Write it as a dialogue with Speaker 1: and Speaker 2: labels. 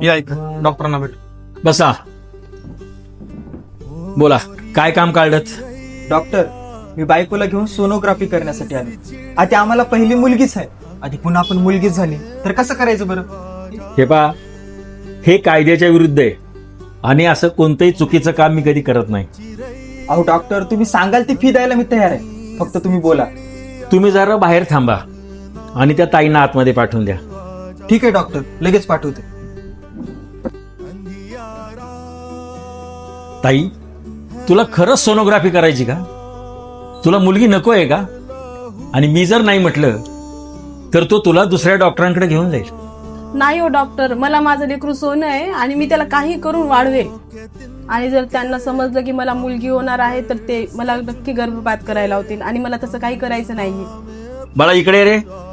Speaker 1: या इथं डॉक्टरांना भेट.
Speaker 2: बसा. बोला, काय काम काढलं?
Speaker 3: डॉक्टर, मी बायकोला घेऊन सोनोग्राफी करण्यासाठी आलो. आधी आम्हाला पहिली मुलगीच आहे, आधी पुन्हा आपण मुलगीच झाली तर कसं करायचं बरं?
Speaker 2: हे पा, हे कायद्याच्या विरुद्ध आहे आणि असं कोणतंही चुकीचं काम मी कधी करत नाही.
Speaker 3: अहो डॉक्टर, तुम्ही सांगाल ती फी द्यायला मी तयार आहे, फक्त तुम्ही बोला.
Speaker 2: तुम्ही जरा बाहेर थांबा आणि त्या ताईंना आतमध्ये पाठवून द्या.
Speaker 3: ठीक आहे डॉक्टर, लगेच पाठवते.
Speaker 2: ताई, तुला खरंच सोनोग्राफी करायची का? तुला मुलगी नको आहे का? आणि मी जर नाही म्हटलं तर तो तुला दुसऱ्या डॉक्टरांकडे घेऊन जाईल.
Speaker 4: नाही हो डॉक्टर, मला माझं लेकरू सोनं आहे आणि मी त्याला काही करून वाढवे. आणि जर त्यांना समजलं की मला मुलगी होणार आहे तर ते मला नक्की गर्भपात करायला होतील आणि मला तसं काही करायचं नाहीये.
Speaker 2: बाळा इकडे रे.